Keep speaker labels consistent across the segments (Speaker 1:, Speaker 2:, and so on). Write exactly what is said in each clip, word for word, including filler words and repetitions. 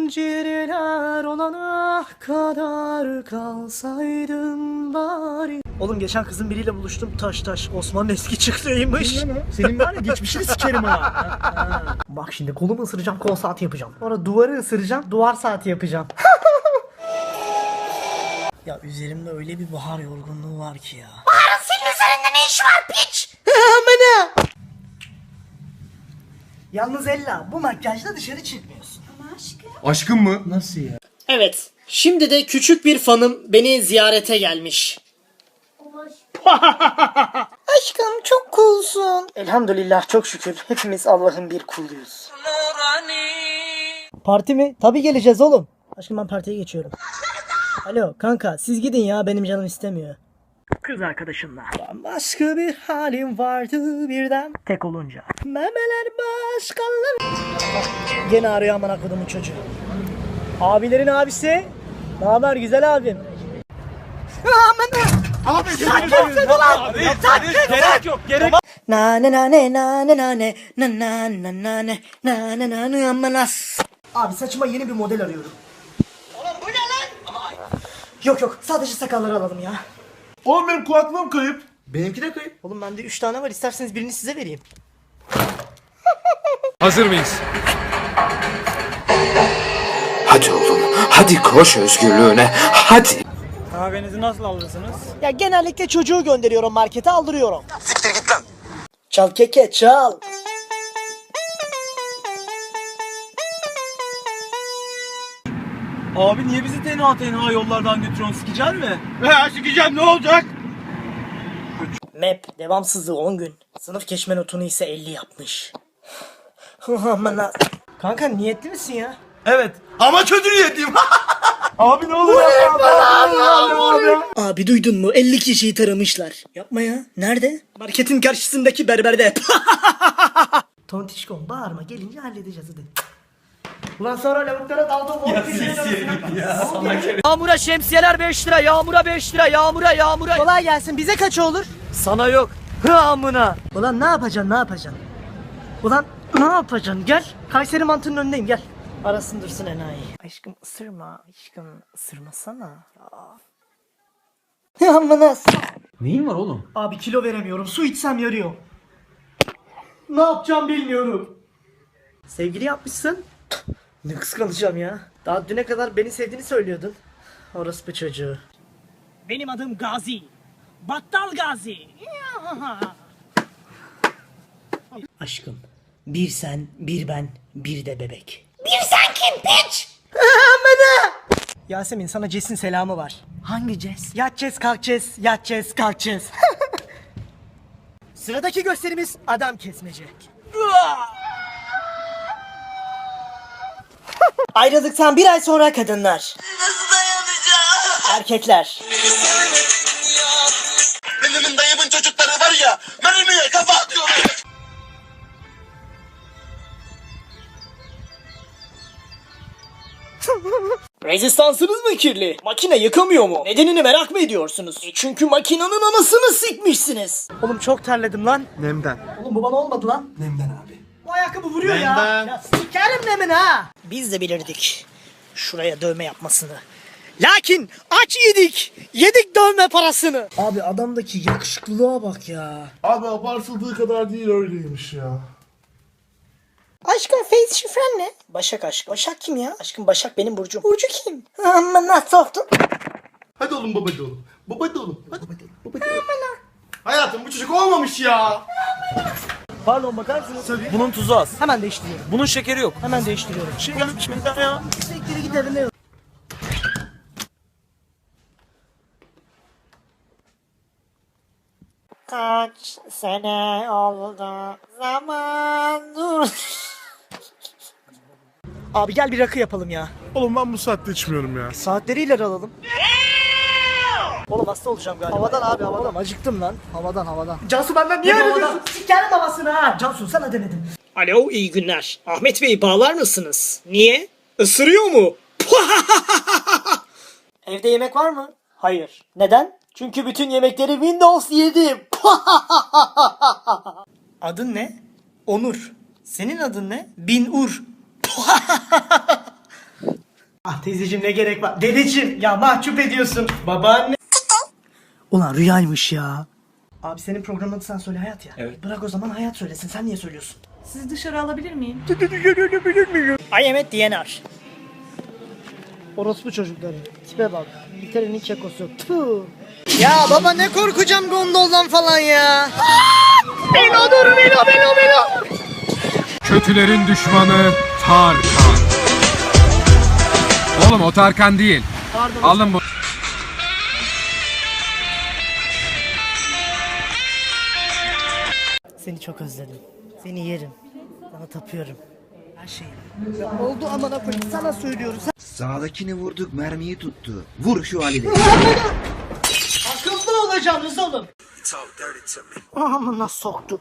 Speaker 1: zincirler olana kadar kalsaydın bari. Oğlum geçen kızın biriyle buluştum, taş taş Osman'ın eski çıktığıymış.
Speaker 2: Senin var ya geçmişini sikerim ha.
Speaker 1: Bak şimdi kolumu ısıracağım, kol saati yapacağım. Sonra duvarı ısıracağım, duvar saati yapacağım. Ya üzerimde öyle bir bahar yorgunluğu var ki ya.
Speaker 3: Bahar'ın senin üzerinde ne iş var piç?
Speaker 1: Amına! Yalnız Ella, bu makyajla dışarı çıkmıyorsun.
Speaker 3: Ama aşkım.
Speaker 2: Aşkım mı? Nasıl ya?
Speaker 1: Evet, şimdi de küçük bir fanım beni ziyarete gelmiş. Aşkım çok coolsun. Elhamdülillah, çok şükür. Hepimiz Allah'ın bir kuluyuz. Parti mi? Tabii geleceğiz oğlum. Aşkım ben partiye geçiyorum. Alo kanka, siz gidin ya, benim canım istemiyor. Kız arkadaşımla. Başka bir halim vardı birden. Tek olunca. Memeler başkaları. Gene arıyor aman kodumun çocuğu. Abilerin abisi. Ne haber güzel abim? Aman.
Speaker 2: Abi gerek yok gerek.
Speaker 1: Na ne na ne na ne na ne na na na na ne na ne na ne amanas. Abi saçıma yeni bir model arıyorum. Oğlum bu ne lan? Yok yok, sadece sakalları alalım ya.
Speaker 2: Oğlum benim kulaklığım kayıp. Benimki de kayıp.
Speaker 1: Oğlum bende üç tane var, isterseniz birini size vereyim.
Speaker 4: Hazır mıyız?
Speaker 5: Hadi oğlum, hadi koş özgürlüğüne, hadi.
Speaker 6: Kahvenizi nasıl alırsınız?
Speaker 1: Ya genellikle çocuğu gönderiyorum markete, aldırıyorum. Siktir git lan. Çal keke çal.
Speaker 6: Abi niye bizi tenha tenha yollardan götürüyorsun? Sikecen mi?
Speaker 2: He sikeceğim ne olacak?
Speaker 1: Map devamsızlığı on gün. Sınıf geçme notunu ise elli yapmış. Aman ha. Kanka niyetli misin ya?
Speaker 2: Evet. Ama kötü niyetliyim. Abi ne olur yapma.
Speaker 1: Abi duydun mu? elli kişiyi taramışlar. Yapma ya. Nerede? Marketin karşısındaki berberde. Tontişkom bağırma, gelince halledeceğiz hadi. Ulan sonra lavuklara daldım. Ya Yağmura şemsiyeler beş lira, yağmura beş lira, yağmura yağmura. Kolay gelsin, bize kaç olur? Sana yok. Hı amına. Ulan ne yapacaksın, ne yapacaksın? Ulan ne yapacaksın? Gel. Kayseri mantının önündeyim, gel. Arasın dursun enayi. Aşkım ısırma, aşkım ısırmasana. Ya amına.
Speaker 2: Neyin var oğlum?
Speaker 1: Abi kilo veremiyorum, su içsem yarıyor. Ne yapacağım bilmiyorum. Sevgili yapmışsın. Ne kıskanacağım ya. Daha düne kadar beni sevdiğini söylüyordun. Orospu çocuğu. Benim adım Gazi. Battal Gazi. Aşkım, bir sen, bir ben, bir de bebek.
Speaker 3: Bir sen kim piç?
Speaker 1: Yasemin, sana Ces'in selamı var. Hangi Ces? Yatacağız kalkacağız, yatacağız kalkacağız. Sıradaki gösterimiz adam kesmece. Ayrıldıktan bir ay sonra kadınlar.
Speaker 3: Nasıl dayanacağım?
Speaker 1: Erkekler.
Speaker 7: Benim dayımın çocukları var ya, mermiye kafa atıyorlar.
Speaker 1: Rezistansınız mı kirli? Makine yıkamıyor mu? Nedenini merak mı ediyorsunuz? E çünkü makinenin anasını sikmişsiniz. Oğlum çok terledim lan.
Speaker 2: Nemden.
Speaker 1: Oğlum bu bana olmadı lan.
Speaker 2: Nemden abi.
Speaker 1: Bu ayakkabı vuruyor ya.
Speaker 2: Nemden.
Speaker 1: Ya sikerim nemin ha. Biz de bilirdik şuraya dövme yapmasını. Lakin aç yedik. Yedik dövme parasını. Abi adamdaki yakışıklılığa bak ya.
Speaker 2: Abi abartıldığı kadar değil öyleymiş ya.
Speaker 1: Aşkım face şifren ne? Başak aşk. Başak kim ya? Aşkım Başak benim burcum. Burcu kim? Amma nasıl soktun?
Speaker 2: Hadi oğlum babacı oğlum. Babacı oğlum. Hadi babacı oğlum. Babacı oğlum. Hayatım bu çocuk olmamış ya.
Speaker 1: Pardon, bakar mısınız? Tabii.
Speaker 6: Bunun tuzu az.
Speaker 1: Hemen değiştiriyorum.
Speaker 6: Bunun şekeri yok.
Speaker 1: Hemen değiştiriyorum.
Speaker 6: Şey gelmiş benden ya.
Speaker 1: Siktir git evine. Kaç sene oldu zaman dur. Abi gel bir rakı yapalım ya.
Speaker 2: Oğlum ben bu saatte içmiyorum ya.
Speaker 1: Saatleri ileri alalım. Oğlum hasta olacağım galiba. Havadan abi havadan. Oğlum acıktım lan. Havadan havadan. Cansu benden niye öyle diyorsun? Sikerim havasını ha. Cansu sana demedim. Alo, iyi günler. Ahmet Bey bağlar mısınız? Niye? Isırıyor mu? Evde yemek var mı? Hayır. Neden? Çünkü bütün yemekleri Windows yedim. Adın ne? Onur. Senin adın ne? Bin Ur. Ah teyzeciğim ne gerek var? Dedeciğim ya mahcup ediyorsun. Babaanne. Ulan rüyaymış ya. Abi senin programın adı sen söyle Hayat ya.
Speaker 6: Evet.
Speaker 1: Bırak o zaman Hayat söylesin. Sen niye söylüyorsun?
Speaker 4: Sizi dışarı alabilir miyim?
Speaker 1: I am at D N R. Orospu çocukları. Tipe bak. İngiltere'nin kekosu. Tüh. Ya baba ne korkacağım gondoldan falan ya. Belo dur Belo Belo Belo.
Speaker 8: Kötülerin düşmanı Tarkan. Oğlum o Tarkan değil.
Speaker 1: Pardon.
Speaker 8: Alın bu.
Speaker 1: Seni çok özledim. Seni yerim. Sana tapıyorum. Her şeyim. Ya oldu amına koyayım sana söylüyoruz.
Speaker 9: Sağdakini vurduk, mermiyi tuttu. Vur şu Ali'de.
Speaker 1: Akıllı olacaksınız oğlum. Amına soktu.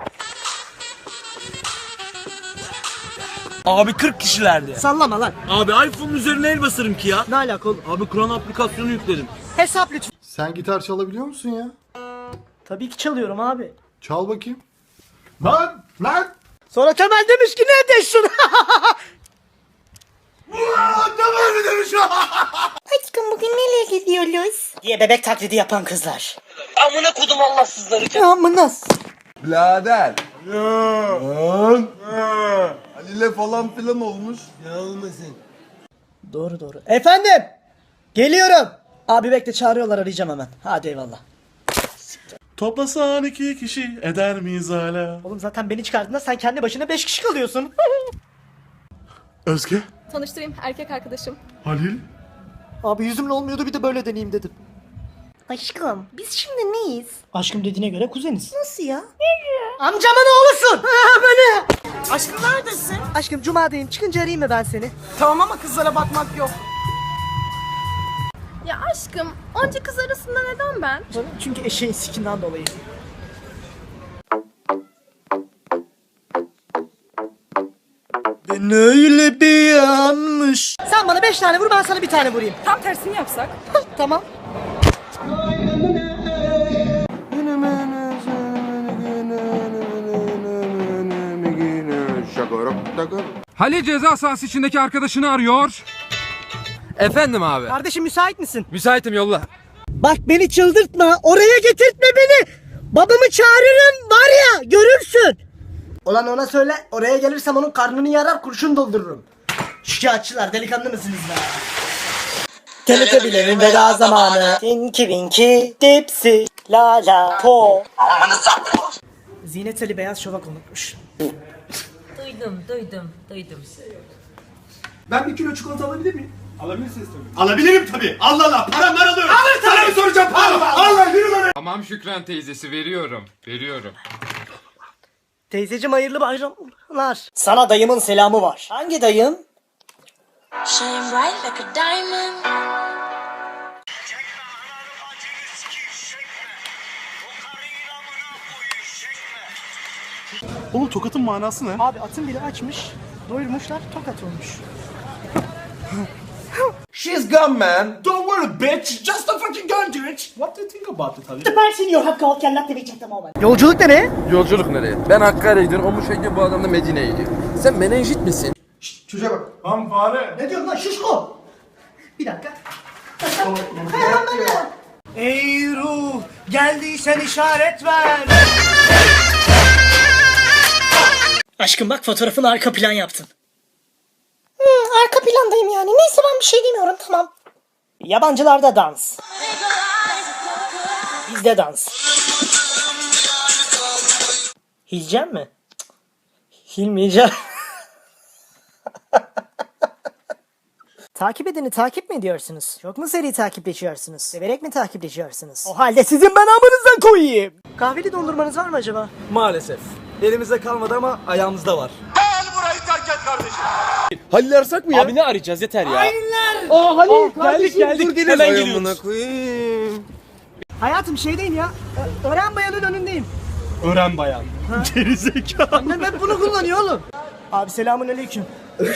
Speaker 6: Abi kırk kişilerdi.
Speaker 1: Sallama lan.
Speaker 6: Abi iPhone'un üzerine el basarım ki ya.
Speaker 1: Ne alaka oğlum?
Speaker 6: Abi Kur'an aplikasyonu yükledim.
Speaker 1: Hesap lütfen.
Speaker 2: Sen gitar çalabiliyor musun ya?
Speaker 1: Tabii ki çalıyorum abi.
Speaker 2: Çal bakayım. Lan! Lan!
Speaker 1: Sonra Temel demiş ki ne ediyorsun?
Speaker 3: Aşkım bugün nereye gidiyoruz?
Speaker 1: diye bebek taklidi yapan kızlar.
Speaker 7: Amına kodum Allahsızları.
Speaker 1: Ya amına.
Speaker 10: Birader. Lan. Ali'yle falan filan olmuş.
Speaker 1: Doğru doğru. Efendim. Geliyorum. Abi bekle çağırıyorlar arayacağım hemen. Hadi eyvallah.
Speaker 11: Toplasan iki kişi eder miyiz hala?
Speaker 1: Oğlum zaten beni çıkardığında sen kendi başına beş kişi kalıyorsun.
Speaker 11: Özge,
Speaker 4: Tanıştırayım, erkek arkadaşım.
Speaker 11: Halil.
Speaker 1: Abi yüzümle olmuyordu bir de böyle deneyeyim dedim.
Speaker 3: Aşkım biz şimdi neyiz?
Speaker 1: Aşkım dediğine göre kuzeniz.
Speaker 3: Nasıl ya?
Speaker 1: Amcamın oğlusun. Böyle.
Speaker 3: Aşkım neredesin?
Speaker 1: Aşkım cumadayım çıkınca arayayım mı ben seni?
Speaker 3: Tamam ama kızlara bakmak yok.
Speaker 4: Ya aşkım, onca kız arasında neden ben?
Speaker 1: Çünkü eşeğin sikinden dolayı. Ben öyle bir yanmış. Sen bana beş tane vur ben sana bir tane vurayım.
Speaker 4: Tam tersini yapsak.
Speaker 1: Tamam.
Speaker 8: Halil ceza sahası içindeki arkadaşını arıyor. Efendim abi.
Speaker 1: Kardeşim müsait misin?
Speaker 8: Müsaitim yolla.
Speaker 1: Bak beni çıldırtma. Oraya getirtme beni. Babamı çağırırım var ya görürsün. Ulan ona söyle oraya gelirsem onun karnını yarar kurşun doldururum. Şikayetçiler delikanlı mısınız be? Teletebilerin veda zamanı. Tinky Winky Dipsy La La Po. Zinet Ali beyaz şovak unutmuş.
Speaker 4: Duydum, duydum, duydum.
Speaker 2: Ben bir kilo çikolata alabilir miyim? Alabilirsiniz tabii. Alabilirim tabii. Allah Allah. Param var alıyorum. Alır tabii. Sana mı soracağım param? Allah yürü lan.
Speaker 8: Tamam Şükran teyzesi veriyorum. Veriyorum.
Speaker 1: Teyzeciğim hayırlı bayramlar. Sana dayımın selamı var. Hangi dayım?
Speaker 3: Shine bright like a diamond.
Speaker 11: Oğlum tokatın manası ne?
Speaker 1: Abi atın biri açmış. Doyurmuşlar tokat olmuş.
Speaker 10: She's gone man.
Speaker 11: Don't worry bitch, just a fucking gun to it. What do you think about it Halil?
Speaker 1: Süpersin you have called cannot be checked ama. Yolculuk nereye?
Speaker 10: Yolculuk nereye? Ben Hakkari'ye gidiyorum. O muşayla bu adam da Medine'ye gidiyor. Sen menenjit misin?
Speaker 2: Çocuğa bak.
Speaker 11: Lan fare.
Speaker 1: Ne diyorsun lan şişko? Bir dakika. Ey ruh geldiysen işaret ver. Aşkım bak fotoğrafını arka plan yaptın.
Speaker 3: Hmm, arka plandayım yani. Neyse ben bir şey demiyorum tamam.
Speaker 1: Yabancılarda dans. Bizde dans. Hilcem mi? Cık, Hilmeyeceğim. Takip edeni takip mi ediyorsunuz? Çok mu seri takipleşiyorsunuz? Severek mi takipleşiyorsunuz? O halde sizin ben amınızdan koyayım. Kahveli dondurmanız var mı acaba?
Speaker 6: Maalesef. Elimizde kalmadı ama ayağımızda var.
Speaker 7: Gel burayı terk et kardeşim.
Speaker 6: Halil arasak mı ya? Abi ne arayacağız yeter ya.
Speaker 1: Hainler!
Speaker 6: Aa Halil geldik
Speaker 1: kardeşim,
Speaker 6: geldik. Hemen geliyoruz.
Speaker 10: koyayım.
Speaker 1: Hayatım şeydeyim ya. Ö- Öğren bayanın önündeyim.
Speaker 11: Öğren bayan. Gerizekalı.
Speaker 1: Annem hep bunu kullanıyor oğlum. Abi selamun aleyküm.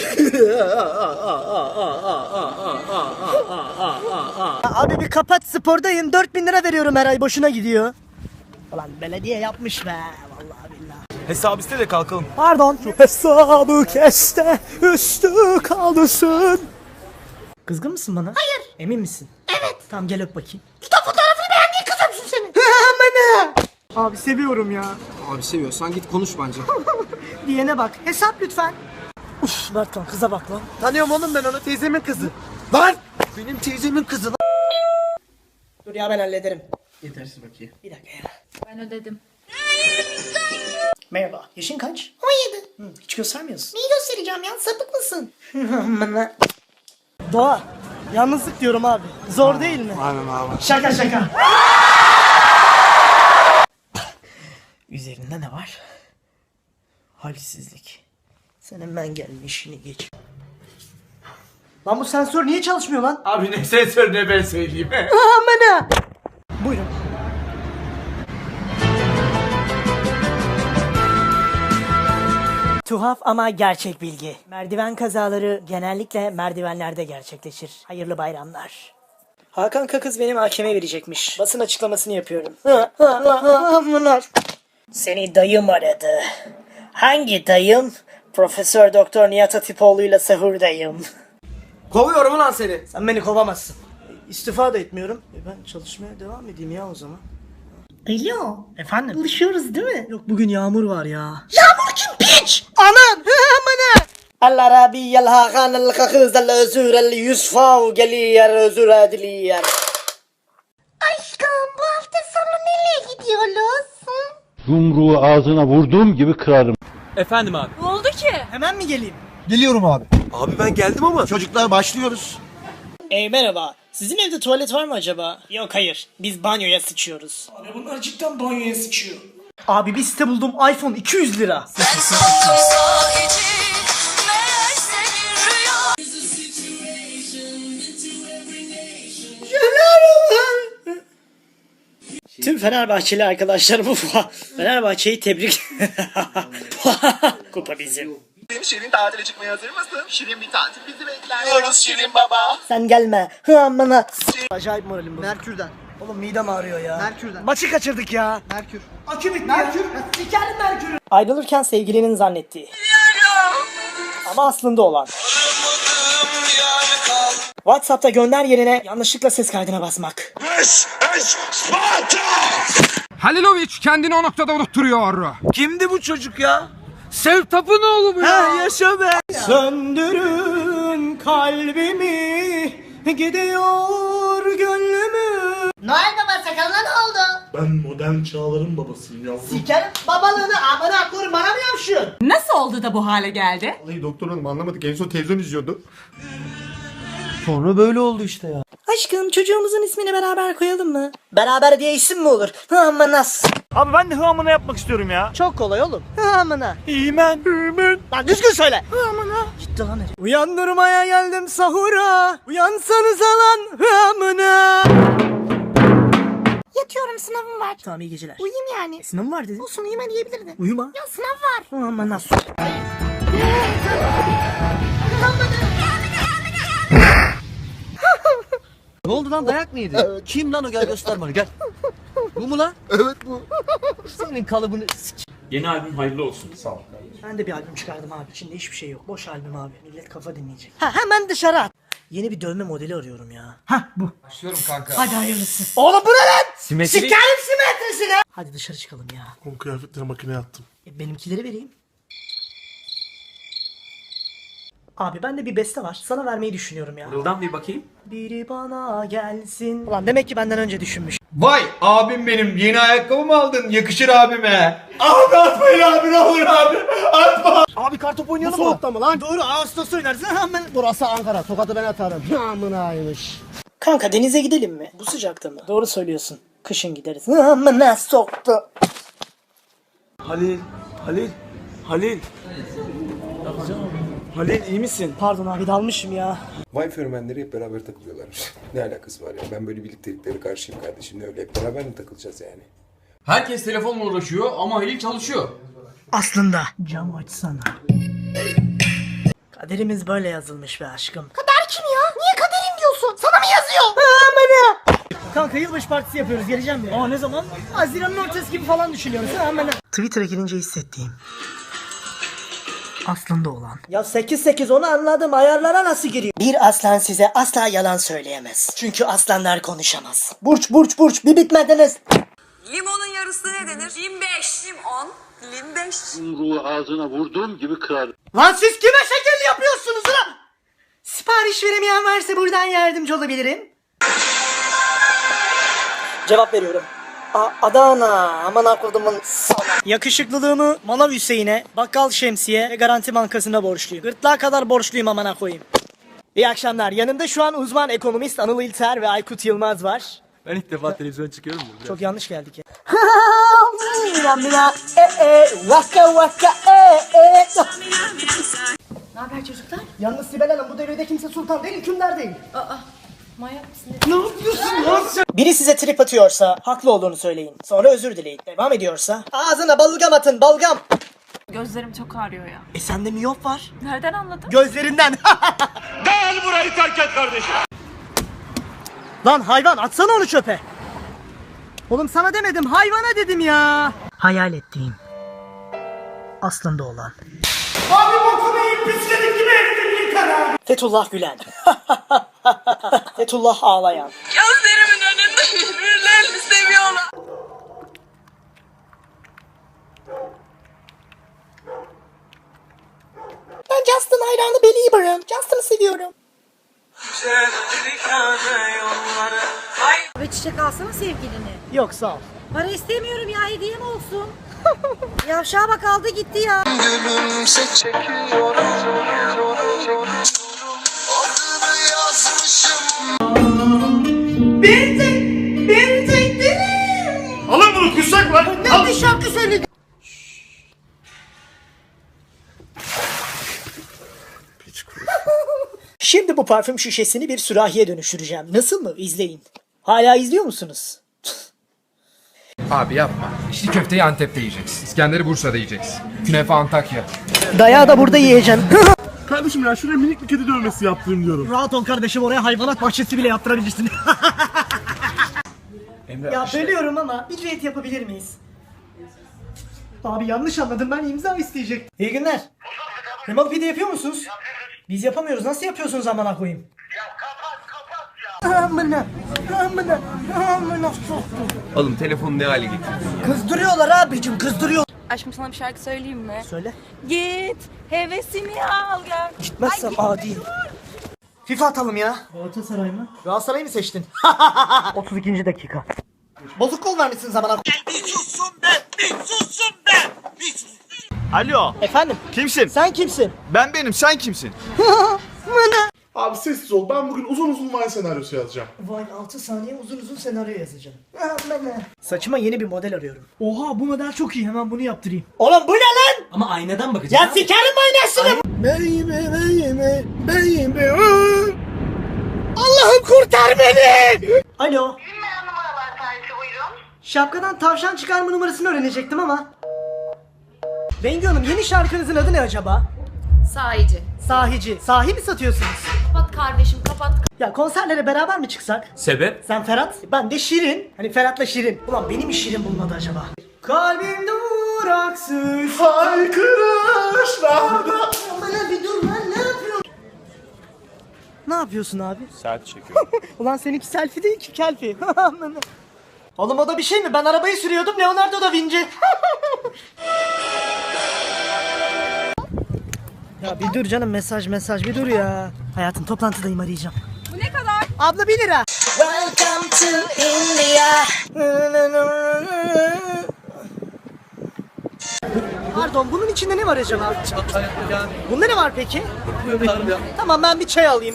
Speaker 1: Abi bir kapat spordayım. dört bin lira veriyorum her ay boşuna gidiyor. Ulan belediye yapmış be. Vallahi billahi.
Speaker 6: Hesap iste de kalkalım.
Speaker 1: Pardon. Şu hesabı keste üstü kaldırsın. Kızgın mısın bana?
Speaker 3: Hayır.
Speaker 1: Emin misin?
Speaker 3: Evet.
Speaker 1: Tamam gel öp bakayım.
Speaker 3: Kitap fotoğrafını beğendiğin kızımsın senin.
Speaker 1: Abi seviyorum ya.
Speaker 10: Abi seviyorsan git konuş bence.
Speaker 1: Diyene bak. Hesap lütfen. Uf Berkan kıza bak lan.
Speaker 10: Tanıyorum oğlum ben onu, teyzemin kızı. Lan! Benim teyzemin kızı lan.
Speaker 1: Dur ya ben hallederim.
Speaker 10: Yetersiz bakayım.
Speaker 1: Bir dakika ya.
Speaker 4: Ben ödedim.
Speaker 1: Merhaba. Yaşın kaç?
Speaker 3: on yedi.
Speaker 1: Hı, hiç göstermiyorsun.
Speaker 3: Neyi göstereceğim ya? Sapık mısın?
Speaker 1: Doğa. Yalnızlık diyorum abi. Zor değil mi?
Speaker 10: Aynen abi.
Speaker 1: Şaka şaka. Üzerinde ne var? Halsizlik. Sen hemen gelme işini geç. Lan bu sensör niye çalışmıyor lan?
Speaker 6: Abi ne sensör ne ben söyleyeyim.
Speaker 1: Amına. Buyurun. Tuhaf ama gerçek bilgi. Merdiven kazaları genellikle merdivenlerde gerçekleşir. Hayırlı bayramlar. Hakan Kakız benim hakeme verecekmiş. Basın açıklamasını yapıyorum. Seni dayım aradı. Hangi dayım? Profesör Doktor Nihat Hatipoğlu ile sahurdayım.
Speaker 10: Kovuyorum ulan seni.
Speaker 1: Sen beni kovamazsın. İstifa da etmiyorum. E ben çalışmaya devam edeyim ya o zaman.
Speaker 3: Alo.
Speaker 1: Efendim?
Speaker 3: Buluşuyoruz değil mi?
Speaker 1: Yok bugün yağmur var ya.
Speaker 3: Yağmur kim piç?
Speaker 1: Anan! Amına! Allah Rabbi yel Hakan el Kakız el Özür el Yusfav geliyer özür ediliyer.
Speaker 3: Aşkım bu hafta sonu nereye gidiyoruz?
Speaker 11: Yumruğu ağzına vurduğum gibi kırarım.
Speaker 6: Efendim abi.
Speaker 4: Ne oldu ki?
Speaker 1: Hemen mi geleyim?
Speaker 9: Geliyorum abi.
Speaker 10: Abi ben geldim ama.
Speaker 9: Çocuklar başlıyoruz.
Speaker 1: Ey merhaba. Sizin evde tuvalet var mı acaba? Yok hayır. Biz banyoya sıçıyoruz. Abi bunlar cidden banyoya sıçıyor. Abi bir site buldum. iPhone iki yüz lira. Tüm Fenerbahçeli arkadaşlarımı Fenerbahçe'yi tebrik. Kupa bizim.
Speaker 7: Şirin tatile çıkmaya hazır mısın? Şirin bir tatil bizi bekler. Diyoruz Şirin baba.
Speaker 1: Sen gelme. Hı amına. Acayip moralim bu.
Speaker 10: Merkür'den.
Speaker 1: Oğlum midem ağrıyor ya.
Speaker 10: Merkür'den.
Speaker 1: Maçı kaçırdık ya.
Speaker 10: Merkür.
Speaker 1: Akü bitti Merkür. ya. Sikerim Merkür'ü. Ayrılırken sevgilinin zannettiği. Ama aslında olan. WhatsApp'ta gönder yerine yanlışlıkla ses kaydına basmak.
Speaker 8: Halilovic kendini o noktada unutturuyor.
Speaker 10: Kimdi bu çocuk ya? Sev Tapınoğlu mu ya?
Speaker 1: Ha yaşa be. Söndürün kalbimi, gidiyor gönlümü.
Speaker 3: Noel Baba sakalına ne oldu?
Speaker 11: Ben modern çağların babasıyım yavrum.
Speaker 3: Sikerim babalığını amına koyayım bana mı yapışıyorsun?
Speaker 4: Nasıl oldu da bu hale geldi?
Speaker 2: Vallahi doktor hanım anlamadık. En son televizyon izliyordu.
Speaker 1: Sonra böyle oldu işte ya. Aşkım çocuğumuzun ismini beraber koyalım mı? Beraber diye isim mi olur? Hıamanas.
Speaker 6: Abi ben de hıamına yapmak istiyorum ya.
Speaker 1: Çok kolay oğlum. Hıamına.
Speaker 6: İmen. İmen.
Speaker 1: Lan düzgün söyle. Hıamına. Gitti lan herif. Uyandırmaya geldim sahura. Uyansanıza lan hıamına.
Speaker 3: Yatıyorum sınavım var.
Speaker 1: Tamam iyi geceler.
Speaker 3: Uyuyayım yani.
Speaker 1: E, sınavım var dedin.
Speaker 3: Olsun uyuma diyebilirdin.
Speaker 1: Uyuma.
Speaker 3: Ya sınav var.
Speaker 1: Hıamanas.
Speaker 10: Ne oldu lan, dayak mı yedi? Kim lan o, gel göster bana gel. Bu mu lan?
Speaker 9: Evet bu.
Speaker 10: Senin kalıbını sik.
Speaker 6: Yeni albüm hayırlı olsun. Sağ ol.
Speaker 1: Ben de bir albüm çıkardım abi. İçinde hiçbir şey yok. Boş albüm abi. Millet kafa dinleyecek. Ha hemen dışarı at. Yeni bir dövme modeli arıyorum ya. Ha bu.
Speaker 8: Başlıyorum kanka.
Speaker 1: Hadi hayırlısı. Oğlum bu ne lan?
Speaker 6: Simetri.
Speaker 1: Sikerim simetrisine. Hadi dışarı çıkalım ya.
Speaker 11: Oğlum kıyafetleri makineye attım.
Speaker 1: E, benimkileri vereyim. Abi bende bir beste var. Sana vermeyi düşünüyorum ya.
Speaker 6: Buradan bir bakayım.
Speaker 1: Biri bana gelsin. Ulan demek ki benden önce düşünmüş.
Speaker 2: Vay abim benim. Yeni ayakkabı mı aldın? Yakışır abime. Abi atmayın abi ne olur abi. Atma.
Speaker 1: Abi kartop oynayalım mı? Soğukta mı lan? Doğru Ağustos oynarız. Hemen. Burası Ankara. Tokat'ı ben atarım. Amınaymış. Kanka denize gidelim mi? Bu sıcakta mı? Doğru söylüyorsun. Kışın gideriz. Amına soktu.
Speaker 10: Halil, Halil, Halil. Halil iyi misin?
Speaker 1: Pardon abi dalmışım ya.
Speaker 5: Vay fenomenleri hep beraber takılıyorlarmış. Ne alakası var ya? Ben böyle birlikteliklere karşıyım kardeşim. Ne öyle hep beraber mi takılacağız yani?
Speaker 8: Herkes telefonla uğraşıyor ama Halil çalışıyor.
Speaker 1: Aslında. Cam açsana. Kaderimiz böyle yazılmış be aşkım.
Speaker 3: Kader kim ya? Niye kaderim diyorsun? Sana mı yazıyor?
Speaker 1: Amına. Kanka yılbaşı partisi yapıyoruz. Geleceğim mi? Aa ne zaman? Haziran'ın ortası gibi falan düşünüyoruz. Amına. Twitter'a girince hissettiğim. Aslında olan. Ya sekiz sekiz onu anladım. Ayarlara nasıl giriyor? Bir aslan size asla yalan söyleyemez. Çünkü aslanlar konuşamaz. Burç burç burç bir bitmediniz.
Speaker 4: Limonun yarısı ne denir? Lim beş. Limon. Lim beş.
Speaker 7: Yumruğu ağzına vurduğum gibi kırar.
Speaker 1: Lan siz kime şekil yapıyorsunuz lan? Sipariş veremeyen varsa buradan yardımcı olabilirim. Cevap veriyorum. A Adana. Aman akıllımın sana. Yakışıklılığımı Manav Hüseyin'e, Bakkal Şemsiye ve Garanti Bankası'na borçluyum. Gırtlağa kadar borçluyum amına koyayım. İyi akşamlar. Yanımda şu an uzman ekonomist Anıl İlter ve Aykut Yılmaz var.
Speaker 6: Ben ilk defa televizyon çıkıyorum ya.
Speaker 1: Çok yanlış geldik ya. Mina mina e e vaka vaka e e.
Speaker 4: Ne haber çocuklar?
Speaker 1: Yalnız Sibel Hanım bu devirde kimse sultan değil, hükümdar değil.
Speaker 4: Aa, manyak mısın?
Speaker 1: Ne yapıyorsun lan sen? Biri size trip atıyorsa haklı olduğunu söyleyin. Sonra özür dileyin. Devam ediyorsa ağzına balgam atın, balgam.
Speaker 4: Gözlerim çok ağrıyor ya.
Speaker 1: E sende miyop var.
Speaker 4: Nereden anladın?
Speaker 1: Gözlerinden.
Speaker 6: Gel burayı terk et kardeşim.
Speaker 1: Lan hayvan atsana onu çöpe. Oğlum sana demedim, hayvana dedim ya. Hayal ettiğim. Aslında olan. Abi bokunu yiyip pisledik gibi ettin yıkar abi. Fethullah Gülen. Fethullah ağlayan.
Speaker 4: Gözlerimin önünde birbirlerini seviyorlar.
Speaker 3: Ben Justin hayranı Belieber'ım. Justin'ı seviyorum.
Speaker 4: Ve çiçek alsana sevgilini.
Speaker 1: Yok sağ ol.
Speaker 4: Para istemiyorum ya, hediye mi olsun? Yavşağa bak, aldı gitti ya.
Speaker 7: Gülümse çekiyorum. Adını yazmışım.
Speaker 1: Bir tek, bir tek dilim.
Speaker 2: Alın bunu kussak var.
Speaker 1: Ne bir şarkı söyledi. Şimdi bu parfüm şişesini bir sürahiye dönüştüreceğim. Nasıl mı? İzleyin. Hala izliyor musunuz?
Speaker 8: Abi yapma. İçli köfteyi Antep'te yiyeceksin. İskender'i Bursa'da yiyeceksin. Künefe Antakya.
Speaker 1: Dayağı da burada yiyeceksin.
Speaker 11: Kardeşim ya şuraya minik bir kedi dövmesi yaptırayım diyorum.
Speaker 1: Rahat ol kardeşim, oraya hayvanat bahçesi bile yaptırabilirsin. Ya bölüyorum ama bir düet yapabilir miyiz? Abi yanlış anladım, ben imza isteyecektim. İyi günler. Remote pide yapıyor musunuz? Biz yapamıyoruz. Nasıl yapıyorsunuz amına koyayım? Ya kapat kapat ya. Amına amına amına soktum.
Speaker 10: Oğlum telefonu ne hale getirdin?
Speaker 1: Kızdırıyorlar abicim, kızdırıyor.
Speaker 4: Aşkım sana bir şarkı söyleyeyim mi?
Speaker 1: Söyle.
Speaker 4: Git hevesini al gel.
Speaker 1: Gitmezsem adi. FIFA atalım ya. Galatasaray mı? Galatasaray mı seçtin? otuz ikinci dakika. Bozuk kol vermişsin zamana.
Speaker 7: Bir sussun be! Bir sussun be! Bir sussun.
Speaker 6: Alo.
Speaker 1: Efendim?
Speaker 6: Kimsin?
Speaker 1: Sen kimsin?
Speaker 6: Ben benim. Sen kimsin?
Speaker 11: Abi sessiz ol. Ben bugün uzun uzun Vine senaryosu yazacağım.
Speaker 1: Vine altı saniye uzun uzun senaryo yazacağım. Saçıma yeni bir model arıyorum. Oha bu model çok iyi, hemen bunu yaptırayım. Oğlum bu ne lan?
Speaker 6: Ama aynadan bakacağım.
Speaker 1: Ya sikerim aynasını. Baby baby baby. Allah'ım kurtar beni. Alo. Şapkadan tavşan çıkarma numarasını öğrenecektim ama. Bengü Hanım, yeni şarkınızın adı ne acaba?
Speaker 4: Sahici.
Speaker 1: Sahici. Sahi mi satıyorsunuz?
Speaker 4: Kapat kardeşim, kapat.
Speaker 1: Ya konserlere beraber mi çıksak?
Speaker 6: Sebep?
Speaker 1: Sen Ferhat, ben de Şirin. Hani Ferhat'la Şirin. Ulan benim mi Şirin bulmadı acaba? Kalbim duraksız haykırışlarda. Bana bir dur lan, ne yapıyorsun? Ne yapıyorsun abi?
Speaker 6: Saat çekiyorum.
Speaker 1: Ulan seninki selfie değil ki kelfi. Oğlum o da bir şey mi? Ben arabayı sürüyordum, Leonardo da Vinci. Ya bir dur canım, mesaj mesaj bir dur ya. Hayatım toplantıdayım, arayacağım.
Speaker 4: Bu ne kadar?
Speaker 1: Abla bir lira. Welcome to India. Pardon, bunun içinde ne var acaba? Bunda ne var peki? Tamam, ben bir çay alayım.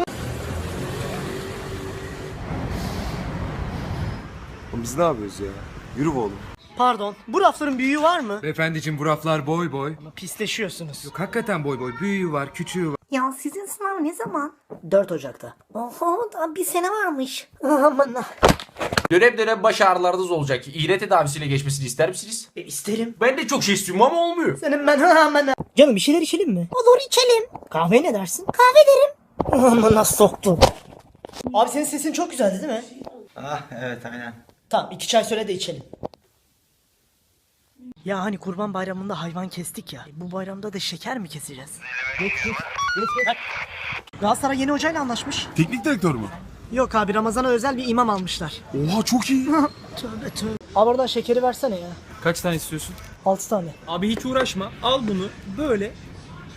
Speaker 5: Biz ne yapıyoruz ya? Yürü be oğlum.
Speaker 1: Pardon, bu rafların büyüğü var mı?
Speaker 8: Beyefendiciğim bu raflar boy boy.
Speaker 1: Pisleşiyorsunuz.
Speaker 8: Yok hakikaten boy boy. Büyüğü var, küçüğü var.
Speaker 3: Ya sizin sınav ne zaman?
Speaker 1: dört Ocak'ta.
Speaker 3: Oho, daha bir sene varmış.
Speaker 1: Aman.
Speaker 10: Dönem dönem baş ağrılarınız olacak. İğne tedavisiyle geçmesini ister misiniz?
Speaker 1: E, isterim.
Speaker 10: Ben de çok şey istiyorum ama olmuyor.
Speaker 1: Senin ben aman. Canım bir şeyler içelim mi?
Speaker 3: Olur, içelim.
Speaker 1: Kahve ne dersin?
Speaker 3: Kahve derim.
Speaker 1: Amına soktum. Abi senin sesin çok güzeldi değil mi?
Speaker 2: Ah evet aynen.
Speaker 1: Tamam, iki çay söyle de içelim. Ya hani kurban bayramında hayvan kestik ya. Bu bayramda da şeker mi keseceğiz? Geç geç. Geç geç. Galatasaray yeni hocayla anlaşmış.
Speaker 11: Teknik direktör mü?
Speaker 1: Yok abi, Ramazan'a özel bir imam almışlar.
Speaker 11: Oha çok iyi.
Speaker 1: Tövbe tövbe. Abi oradan şekeri versene ya.
Speaker 10: Kaç tane istiyorsun?
Speaker 1: altı tane.
Speaker 10: Abi hiç uğraşma. Al bunu böyle